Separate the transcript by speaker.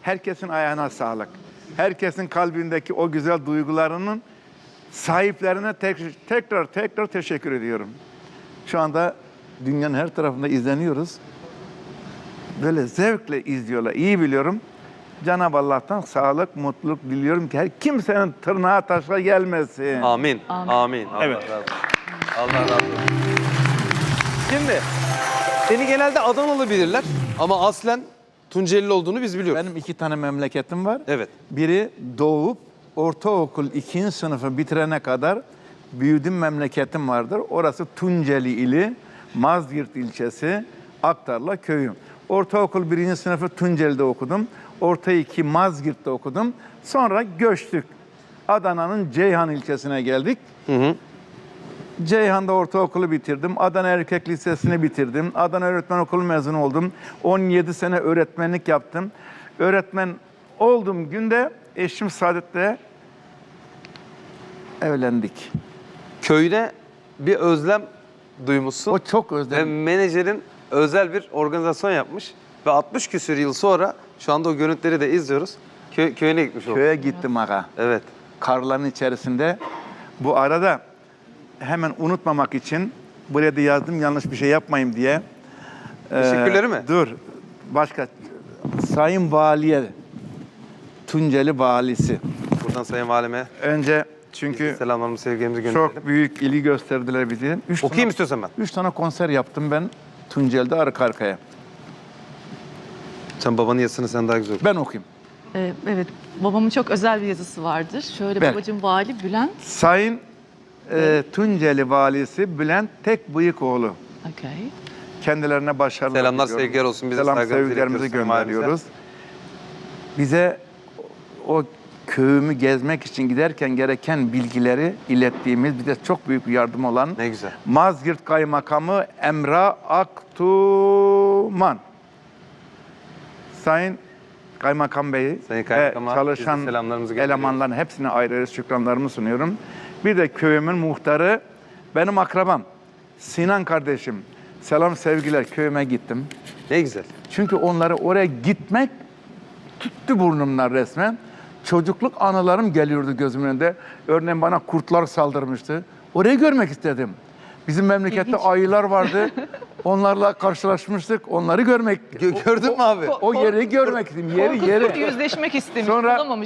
Speaker 1: Herkesin ayağına sağlık. Herkesin kalbindeki o güzel duygularının sahiplerine tekrar teşekkür ediyorum. Şu anda dünyanın her tarafında izleniyoruz. Böyle zevkle izliyorlar. İyi biliyorum. Cenab-ı Allah'tan sağlık, mutluluk diliyorum ki her kimsenin tırnağı taşa gelmesin.
Speaker 2: Amin.
Speaker 3: Amin.
Speaker 2: Amin. Allah
Speaker 1: Evet.
Speaker 2: razı olsun. Allah razı olsun. Şimdi seni genelde Adanalı bilirler ama aslen Tunceli olduğunu biz biliyoruz.
Speaker 1: Benim 2 tane memleketim var.
Speaker 2: Evet.
Speaker 1: Biri doğup ortaokul 2. sınıfı bitirene kadar büyüdüğüm memleketim vardır. Orası Tunceli ili, Mazgirt ilçesi, Aktarla köyü. Ortaokul 1. sınıfı Tunceli'de okudum. Orta 2 Mazgirt'te okudum. Sonra göçtük. Adana'nın Ceyhan ilçesine geldik. Ceyhan'da ortaokulu bitirdim. Adana Erkek Lisesi'ni bitirdim. Adana Öğretmen Okulu mezunu oldum. 17 sene öğretmenlik yaptım. Öğretmen olduğum günde eşim Saadet'le evlendik.
Speaker 2: Köyüne bir özlem duymuşsun.
Speaker 1: O çok
Speaker 2: Ve
Speaker 1: özledim.
Speaker 2: menajerin özel bir organizasyon yapmış. Ve 60 küsür yıl sonra şu anda o görüntüleri de izliyoruz. Köyüne gitmiş olduk.
Speaker 1: Köye gittim aga.
Speaker 2: Evet.
Speaker 1: Karların içerisinde. Bu arada hemen unutmamak için buraya da yazdım yanlış bir şey yapmayayım diye.
Speaker 2: Teşekkürleri mi?
Speaker 1: Dur. Başka. Sayın Valiye, Tunceli Valisi.
Speaker 2: Buradan Sayın Valime
Speaker 1: Önce çünkü
Speaker 2: selamlarımızı, sevgilerimizi gönderelim.
Speaker 1: çok büyük ilgi gösterdiler bize.
Speaker 2: Okuyayım istiyorsan ben.
Speaker 1: 3 tane konser yaptım ben Tunceli'de arka arkaya.
Speaker 2: Sen babanın yazısını sen daha güzel oku.
Speaker 1: Ben okuyayım.
Speaker 3: Evet, babamın çok özel bir yazısı vardır. Şöyle
Speaker 1: Ver.
Speaker 3: babacığım Vali Bülent.
Speaker 1: Sayın Tunceli Valisi Bülent Tekbıyıkoğlu.
Speaker 3: Okay.
Speaker 1: Kendilerine başarılar
Speaker 2: Selamlar,
Speaker 1: diliyorum.
Speaker 2: sevgiler olsun. Bize
Speaker 1: Selam,
Speaker 2: saygılarımızı
Speaker 1: sevgilerimizi
Speaker 2: iletiyoruz Sayın
Speaker 1: gönderiyoruz. Bize o köyümü gezmek için giderken gereken bilgileri ilettiğimiz, bize çok büyük bir yardım olan
Speaker 2: Ne güzel.
Speaker 1: Mazgirt Kaymakamı Emrah Aktuman. Sayın Kaymakam Bey'i
Speaker 2: Sayın
Speaker 1: ve
Speaker 2: Kaymakam'a
Speaker 1: çalışan
Speaker 2: biz de selamlarımızı gönderiyoruz.
Speaker 1: elemanların hepsine ayrı ayrı şükranlarımı sunuyorum. Bir de köyümün muhtarı, benim akrabam, Sinan kardeşim. Selam sevgiler, köyüme gittim.
Speaker 2: Ne güzel.
Speaker 1: Çünkü onları oraya gitmek tuttu burnumdan resmen. Çocukluk anılarım geliyordu gözümün önünde. Örneğin bana kurtlar saldırmıştı. Orayı görmek istedim. Bizim memlekette
Speaker 3: İlginç.
Speaker 1: ayılar vardı. Onlarla karşılaşmıştık. Onları görmek,
Speaker 2: Gördün mü abi?
Speaker 1: o yeri görmek istedim. Yeri.
Speaker 3: Korkusuyla yüzleşmek istemiş.
Speaker 1: Sonra-
Speaker 3: Olamamış.